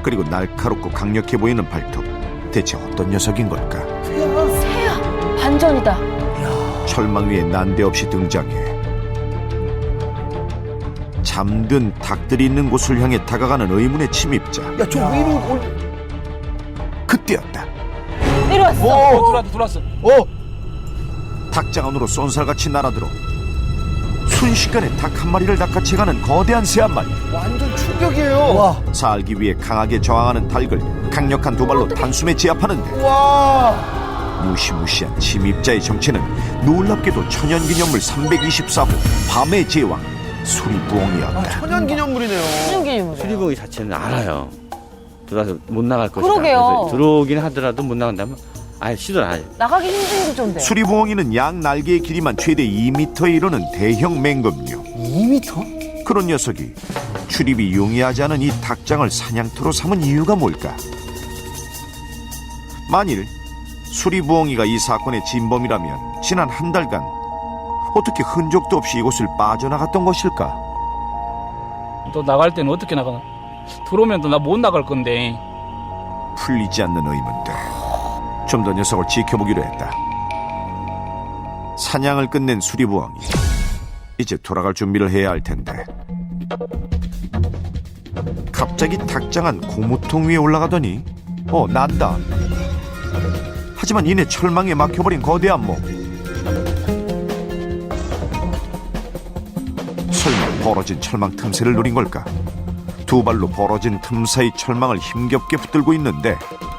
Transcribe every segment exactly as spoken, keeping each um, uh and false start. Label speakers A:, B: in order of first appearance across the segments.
A: 그리고 날카롭고 강력해 보이는 발톱. 대체 어떤 녀석인 걸까?
B: 새야, 반전이다.
A: 철망 위에 난데없이 등장해 잠든 닭들이 있는 곳을 향해 다가가는 의문의 침입자.
C: 야, 저 위로 올.
A: 그때였다.
B: 내려왔어.
C: 어,
D: 들어왔어 들어왔어.
C: 어,
A: 닭장 안으로 쏜살같이 날아들어 순식간에 닭 한 마리를 낚아채가는 거대한 새 한 마리.
C: 완전 충격이에요. 와,
A: 살기 위해 강하게 저항하는 닭을 강력한 두 발로 단숨에 제압하는데
C: 와.
A: 무시무시한 침입자의 정체는 놀랍게도 천연기념물 삼백이십사 호 밤의 제왕 수리부엉이었다.
C: 아, 천연기념물이네요.
B: 신기해요.
E: 수리부엉이 자체는 알아요. 들어와서 못 나갈 것이다.
B: 그러게요.
E: 그래서 들어오긴 하더라도 못 나간다면 아예 시도를 안 해요.
B: 나가기 힘든 구조인데.
A: 수리부엉이는 양 날개의 길이만 최대 이 미터에 이르는 대형 맹금류.
C: 이 미터?
A: 그런 녀석이 출입이 용이하지 않은 이 닭장을 사냥터로 삼은 이유가 뭘까? 만일 수리부엉이가 이 사건의 진범이라면 지난 한 달간 어떻게 흔적도 없이 이곳을 빠져나갔던 것일까?
D: 또 나갈 때는 어떻게 나가나? 들어오면 또 나 못 나갈 건데.
A: 풀리지 않는 의문들. 좀 더 녀석을 지켜보기로 했다. 사냥을 끝낸 수리부엉이. 이제 돌아갈 준비를 해야 할 텐데. 갑자기 닭장 안 고무통 위에 올라가더니 어, 난다. 하지만 이내 철망에 막혀버린 거대한 몸. 설마 벌어진 철망 틈새를 노린 걸까? 두 발로 벌어진 틈 사이 철망을 힘겹게 붙들고 있는데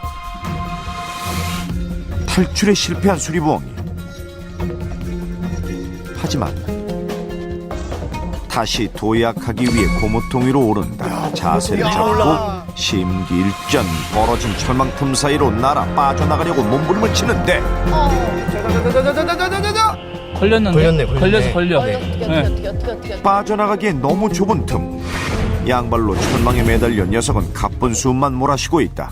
A: 탈출에 실패한 수리부엉이. 하지만 다시 도약하기 위해 고무통 위로 오른다. 자세를
C: 야,
A: 잡고
C: 올라가.
A: 심기일전 벌어진 철망 틈 사이로 날아 빠져나가려고 몸부림을 치는데
C: 자자자자자자자자자.
D: 걸렸는데.
C: 걸렸네, 걸렸네.
D: 걸려서 걸려.
B: 어떻게 어떻게
D: 네.
B: 어떻게 어떻게 어떻게.
A: 빠져나가기엔 너무 좁은 틈. 양발로 철망에 매달려 녀석은 가쁜 숨만 몰아쉬고 있다.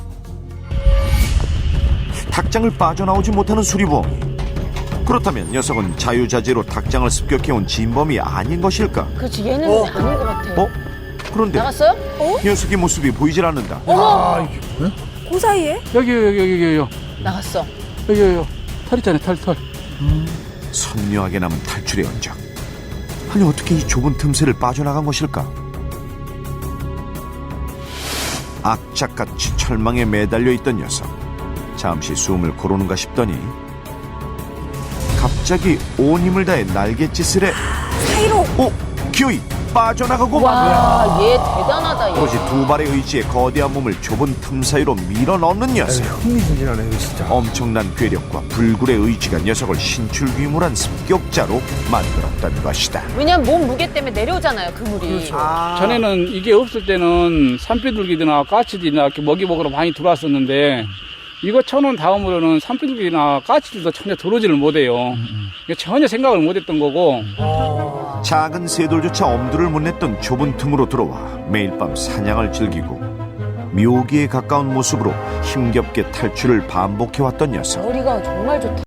A: 닭장을 빠져나오지 못하는 수리부엉이. 그렇다면 녀석은 자유자재로 닭장을 습격해온 진범이 아닌 것일까?
B: 그렇지, 얘는
C: 어.
B: 아닌 것 같아.
A: 어? 그런데
B: 나갔어요? 어?
A: 녀석의 모습이 보이질 않는다.
C: 아,
B: 그 사이에?
D: 여기 여기 여기 여기 여기
B: 나갔어.
D: 여기 여기 털 있잖아요 털 털.
A: 선명하게 남은 탈출의 흔적. 아니 어떻게 이 좁은 틈새를 빠져나간 것일까? 악착같이 철망에 매달려 있던 녀석. 잠시 숨을 고르는가 싶더니 갑자기 온 힘을 다해 날갯짓을 해
B: 사이로.
A: 오! 기어이 빠져나가고 만
B: 와, 얘 대단하다 얘.
A: 오로지 두 발의 의지에 거대한 몸을 좁은 틈 사이로 밀어넣는 녀석.
C: 흥미진진하네, 이거 진짜.
A: 엄청난 괴력과 불굴의 의지가 녀석을 신출귀물한 습격자로 만들었다는 것이다.
B: 왜냐면 몸 무게 때문에 내려오잖아요, 그물이.
D: 그렇죠.
C: 아.
D: 전에는 이게 없을 때는 산비둘기나 까치들이나 이렇게 먹이 먹으러 많이 들어왔었는데 이거 쳐놓은 다음으로는 산비둘기나 까치들도 전혀 들어오지를 못해요. 이거 전혀 생각을 못했던 거고.
A: 작은 새돌조차 엄두를 못 냈던 좁은 틈으로 들어와 매일 밤 사냥을 즐기고 묘기에 가까운 모습으로 힘겹게 탈출을 반복해왔던 녀석.
B: 머리가 정말 좋다.